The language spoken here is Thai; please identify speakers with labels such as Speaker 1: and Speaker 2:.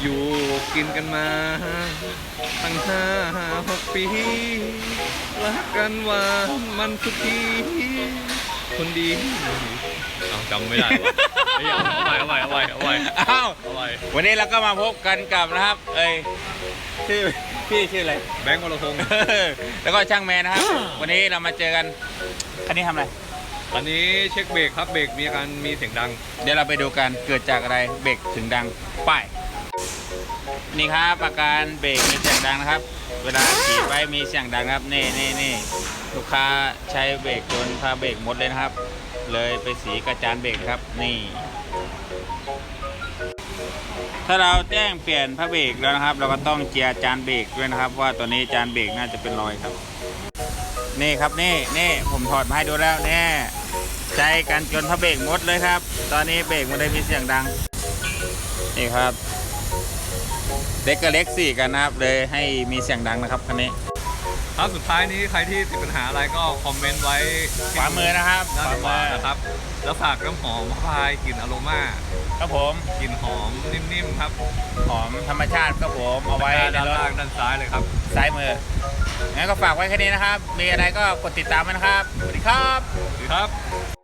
Speaker 1: อยู่กินกันมาตั้ง5-6 ปีรักกันหวานมันทุกทีคนดีเอาจำไม่ได้วะเอาใหม่
Speaker 2: อ้าว
Speaker 1: เอาใหม่
Speaker 2: วันนี้เราก็มาพบกันกับนะครับชื่อพี่ชื่ออะไร
Speaker 1: แบงค์วรพงศ์
Speaker 2: แล้วก็ช่างแมนนะครับ วันนี้เรามาเจอกันคันนี้ทำอะไร
Speaker 1: ตอนนี้เช็คเบรกครับเบรกมีอาการมีเสียงดัง
Speaker 2: เดี๋ยวเราไปดูกันเกิดจากอะไรเบรกถึงดังป้ายนี่ครับอาการเบรกมีเสียงดังนะครับ เวลาขี่ไปมีเสียงดังครับนี่ลูกค้าใช้เบรกจนพาเบรกหมดเลยนะครับ เลยไปสีกระจานเบรกครับนี่ ถ้าเราแจ้งเปลี่ยนพระเบรกแล้วนะครับ เราก็ต้องเจียร์จานเบรกด้วยนะครับว่าตัวนี้จานเบรกน่าจะเป็นรอยครับนี่ครับนี่ผมถอดมาให้ดูแล้วเนี่ยใช้กันจนพระเบรกหมดเลยครับ ตอนนี้เบรกมันเลยมีเสียงดังนี่ครับเล็กกับเล็กสี่กันนะครับเลยให้มีเสียงดังนะครับคันนี้
Speaker 1: ครับสุดท้ายนี้ใครที่ติดปัญหาอะไรก็คอมเมนต์ไว้
Speaker 2: ขวามือนะครับ
Speaker 1: ด้านขวานะครับแล้วฝากน้ำหอมพายกลิ่นอโรมา
Speaker 2: ครับผม
Speaker 1: กลิ่นหอมนิ่มๆครับ
Speaker 2: หอมธรรมชาติครับผมเอาไว้ใน
Speaker 1: ด้าน
Speaker 2: รถ
Speaker 1: ล่างด้านซ้ายเลยครับ
Speaker 2: ซ้ายมืองั้นก็ฝากไว้แค่นี้นะครับมีอะไรก็กดติดตามไว้นะครับสวัสดีครับ
Speaker 1: สวัสดีครับ